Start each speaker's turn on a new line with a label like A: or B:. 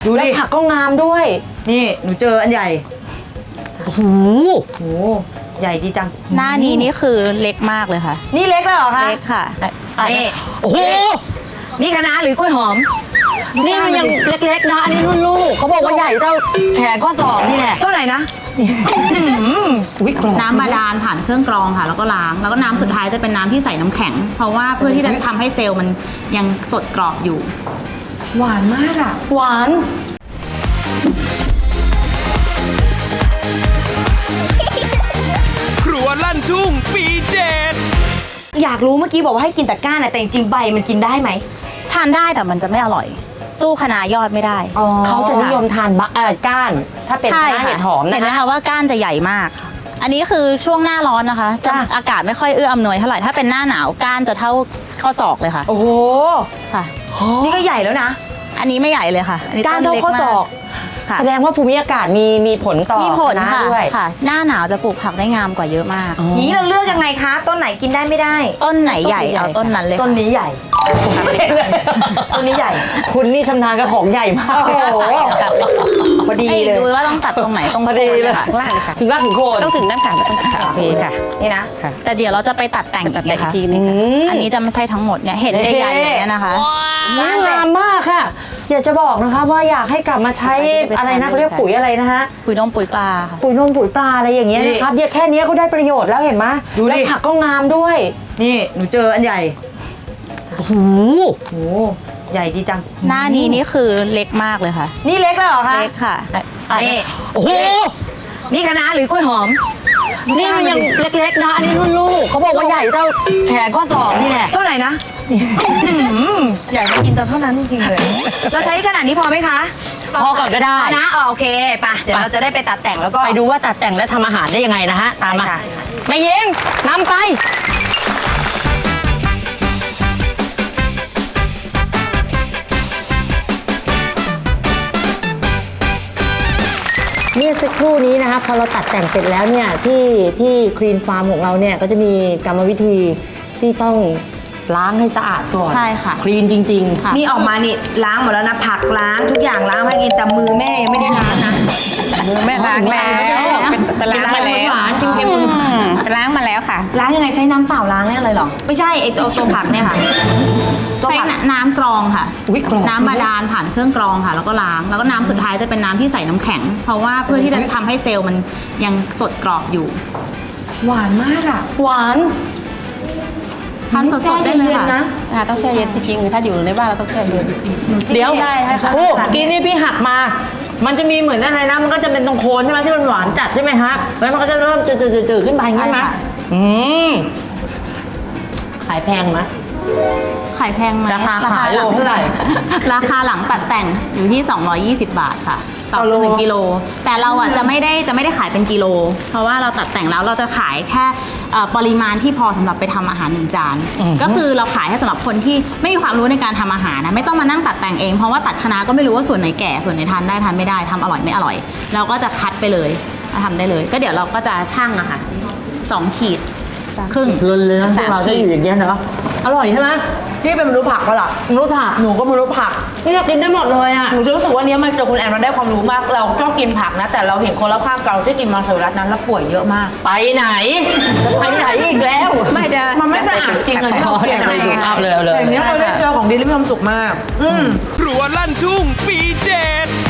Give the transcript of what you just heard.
A: ดูดิผักก็งามด้วยนี่หนูเจออันใหญ่โอ้โหใหญ่ดีจัง
B: หน้านี้นี่คือเล็กมากเลยค่ะ
A: นี่เล็กแล้วเหรอคะ
B: เล็กค่ะ
A: นี่โอ้โหนี่คะน้าหรือกล้วยหอมนี่มันยังเล็กๆนะอันนี้รุ่นลูกเขาบอกว่าใหญ่เท่าแขนข้อศอกนี่แหละเท่าไหร่นะ
B: น้ำบาดาลผ่านเครื่องกรองค่ะแล้วก็ล้างแล้วก็น้ำสุดท้ายจะเป็นน้ำที่ใส่น้ำแข็งเพราะว่าเพื่อที่จะทำให้เซลล์มันยังสดกรอบอยู่
A: หวานมากอ่ะหวาน
C: ครัวลั่นทุ่งปี7
A: อยากรู้เมื่อกี้บอกว่าให้กินแต่ก้านแต่จริงๆใบมันกินได้ไหม
B: ทานได้แต่มันจะไม่อร่อยสู้คะน้ายอดไม่ได้
A: เขาจะนิยมทานก้านถ้าเป็นคะน้าเห็ดหอมนะคะ
B: เห็นไหมคะว่าก้านจะใหญ่มากอันนี้คือช่วงหน้าร้อนนะคะจะอากาศไม่ค่อยเอื้ออำนวยเท่าไหร่ถ้าเป็นหน้าหนาวก้านจะเท่าข้อศอกเลยค่ะ
A: โอ้โห
B: ค่ะ
A: นี่ก็ใหญ่แล้วนะ
B: อันนี้ไม่ใหญ่เลยค่ะ
A: ก้านเท่าข้อศอกแสดงว่าภูมิอากาศมีผลต่อ
B: นะด้วยค่ะหน้าหนาวจะปลูกผักได้งามกว่าเยอะมาก
A: นี้เราเลือกยังไงคะต้นไหนกินได้ไม่ได้
B: ต้นไหนใหญ่เอาต้นนั้นเลย
A: ต้นนี้ใหญ่ต้นนี้ใหญ่คุณนี่ชำนาญกับของใหญ่มากโอ้โหพอดีเลย
B: ดูว่าต้องตัดตรงไหนต้อง
A: พอดีเลย
B: ล่างค่ะ
A: ถึงรากถึงโคน
B: ต้องถึงด้านขาต้องขาโอเคค่ะนี่นะแต่เดี๋ยวเราจะไปตัดแต่งอีกทีนึงอันนี้จะไม่ใช่ทั้งหมดเนี่ยเห็นใหญ่ๆอย่างนี้นะคะ
A: งามมากค่ะอยากจะบอกนะคะว่าอยากให้กลับมาใช้อะไรนะเขาเรียกปุ๋ยอะไรนะคะ
B: ปุ๋ยนมปุ๋ยปลาค่ะ
A: ปุ๋ยนมปุ๋ยปลาอะไรอย่างเงี้ยนะครับเดี๋ยวแค่นี้ก็ได้ประโยชน์แล้วเห็นไหมดูดิผักก็งามด้วยนี่หนูเจออันใหญ่โอ้โหใหญ่ดีจัง
B: หน้านี้นี่คือเล็กมากเลยค่ะ
A: นี่เล็กแล้วเหรอคะ
B: เล็กค่ะ
A: นี่โอ้โหนี่คะน้าหรือกล้วยหอมนี่มันยังเล็กๆนะอันนี้รุ่นลูกเขาบอกว่าใหญ่เท่าแขนข้อศอกนี่แหละเท่าไหร่นะอยากกินเท่านั้นจริงๆเลยเราใช้ขนาดนี้พอไหมคะพอก่อนก็ได้นะโอเคไปเดี๋ยวเราจะได้ไปตัดแต่งแล้วก็ไปดูว่าตัดแต่งและทำอาหารได้ยังไงนะฮะตามมาแม่ยิงนำไปเนี่ยสักครู่นี้นะคะพอเราตัดแต่งเสร็จแล้วเนี่ยที่คลีนฟาร์มของเราเนี่ยก็จะมีกรรมวิธีที่ต้องล้างให้สะอาดก่อน
B: ใช่ค่ะ
A: คลีนจริงๆ
D: นี่ออกมานี่ล้างหมดแล้วนะผักล้างทุกอย่างล้างให้กินแต่มือแม่ยังไม่ได้ล้างนะ
B: มือแม่ล้างแล้ว
A: เป็นล้างมาแล้วหวานจริง
B: ๆล้างมาแล้วค่ะ
D: ล้างยังไงใช้น้ำเปล่าล้างเนี่ยเลยหรอไม่ใช่ไอตัวผักเนี่ยค่ะ
B: ใช้น้ำกรองค่ะน้ำบาดาลผ่านเครื่องกรองค่ะแล้วก็ล้างแล้วก็น้ำสุดท้ายจะเป็นน้ำที่ใส่น้ำแข็งเพราะว่าเพื่อที่จะทำให้เซลล์มันยังสดกรอบอยู่
A: หวานมากอ่ะหวาน
B: ทานสดๆได้เลย
D: ค่ะต้องแช่เย็นจริงๆถ้าอยู่ในบ้านเราต้องแช่เย็น
A: เดี๋ยว
B: ได้ค่ะ
A: โอ้กินนี่พี่หักมามันจะมีเหมือนอะไรนะมันก็จะเป็นตรงโคนใช่ไหมที่มันหวานจัดใช่ไหมฮะแล้วมันก็จะเริ่มจืดๆขึ้นไปใช่ไหมขายแพงไหม
B: ขายแพงไหม
A: ราคาขายโลเท่าไหร่
B: ราคาหลังตัดแต่งอยู่ที่220 บาทค่ะต่อ1 กิโลแต่เราอ่ะจะไม่ได้ขายเป็นกิโลเพราะว่าเราตัดแต่งแล้วเราจะขายแค่ปริมาณที่พอสำหรับไปทำอาหาร1 จานก็คือเราขายให้สำหรับคนที่ไม่มีความรู้ในการทำอาหารนะไม่ต้องมานั่งตัดแต่งเองเพราะว่าตัดคะน้าก็ไม่รู้ว่าส่วนไหนแก่ส่วนไหนทานได้ทานไม่ได้ทำอร่อยไม่อร่อยเราก็จะคัดไปเลยทำได้เลยก็เดี๋ยวเราก็จะชั่งอะค่ะ2 ขีดครึ่ง
A: เลยนะเราจะอยู่อย่างเงี้ยเนาะอร่อยใช่ไหม
D: พี่เป็นมนุษย์ผักก็หรอ
A: มนุษย์ผักหนูก็มนุษย์ผักไม่อยากกินได้หมดเลยอ่ะ
D: หนูจะรู้สึกว่านี้มันเจอคุณแอนมันได้ความรู้มากเราชอบกินผักนะแต่เราเห็นคนรอบข้างเราที่กินมังสวิรัตินั้นแล้วป่วยเยอะมาก
A: ไปไหนอีกแล้ว
D: ไม่จะมันไม่สะอาดจริงเลยที่เราเปลี่ยนอะไร
A: เลย
D: อย่างนี้เราได้เจอของดีและมีความสุขมาก
C: ครัวลั่นทุ่งปี7